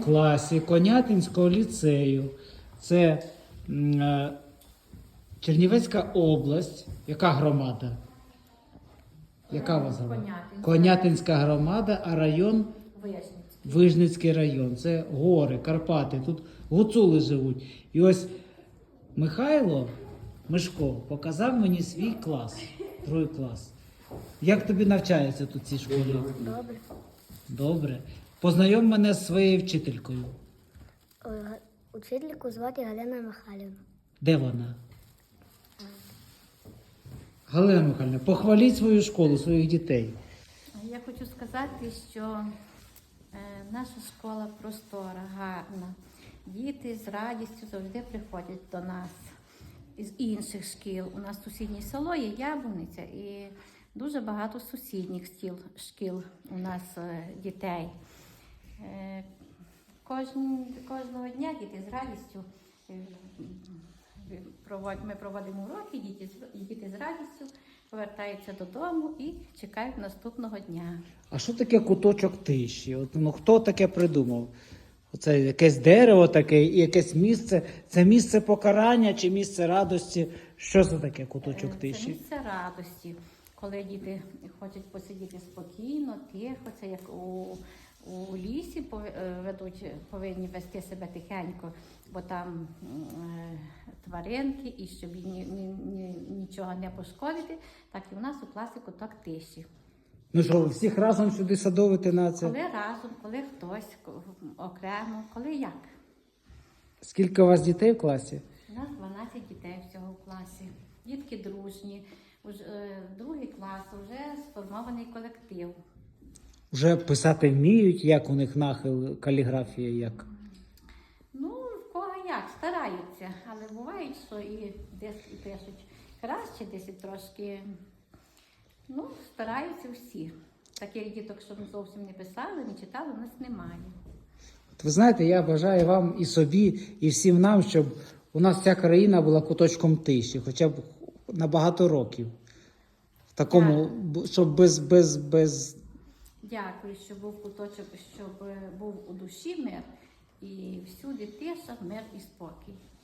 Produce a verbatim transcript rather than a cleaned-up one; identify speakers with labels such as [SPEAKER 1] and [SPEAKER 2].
[SPEAKER 1] класі Конятинського ліцею. Це м, е, Чернівецька область. Яка громада? Яка у вас громада?
[SPEAKER 2] Конятинська.
[SPEAKER 1] Конятинська громада, а район
[SPEAKER 2] Вияснюється.
[SPEAKER 1] Вижницький район. Це гори, Карпати. Тут гуцули живуть. І ось Михайло Мишко показав мені свій клас, другий клас. Як тобі навчається тут в цій школі?
[SPEAKER 3] Добре.
[SPEAKER 1] Добре. Познайом мене з своєю вчителькою.
[SPEAKER 3] Е, Учительку звати Галина Михайлівна.
[SPEAKER 1] Де вона? Галина Михайлівна, похваліть свою школу, своїх дітей.
[SPEAKER 2] Я хочу сказати, що е, наша школа простора, гарна. Діти з радістю завжди приходять до нас із інших шкіл. У нас сусіднє село є Яблуниця і дуже багато сусідніх стіл, шкіл у нас е, дітей. Е, кожен, кожного дня діти з радістю е, провод, ми проводимо уроки, діти, з- діти з радістю повертаються додому і чекають наступного дня.
[SPEAKER 1] А що таке куточок тиші? От, ну, хто таке придумав? Оце якесь дерево таке і якесь місце. Це місце покарання чи місце радості? Що це таке куточок
[SPEAKER 2] Е, Це
[SPEAKER 1] тиші?
[SPEAKER 2] місце радості, коли діти хочуть посидіти спокійно, тихо, це як у, у лісі пов- е, ведуть, повинні вести себе тихенько, бо там е, тваринки, і щоб ні, ні, ні, нічого не пошкодити, так і у нас у класі куток тиші.
[SPEAKER 1] Ну що, ви всіх разом сюди садовити на це?
[SPEAKER 2] Коли разом, коли хтось ко- окремо, коли як.
[SPEAKER 1] Скільки у вас дітей в класі?
[SPEAKER 2] У нас дванадцять дітей всього в класі. Дітки дружні. Уже, е, другий клас, вже сформований колектив.
[SPEAKER 1] Вже писати вміють, як у них нахил, каліграфія, як?
[SPEAKER 2] Ну, в кого як, стараються, але буває, що і десь і пишуть краще, десь і трошки. Ну, стараються всі. Таких діток, щоб зовсім не писали, не читали, у нас немає.
[SPEAKER 1] От ви знаєте, я бажаю вам і собі, і всім нам, щоб у нас вся країна була куточком тиші, хоча б на багато років. В такому, б- щоб без, без, без...
[SPEAKER 2] Дякую, що був куточок, щоб е, був у душі мир, і всюди тиша, мир і спокій.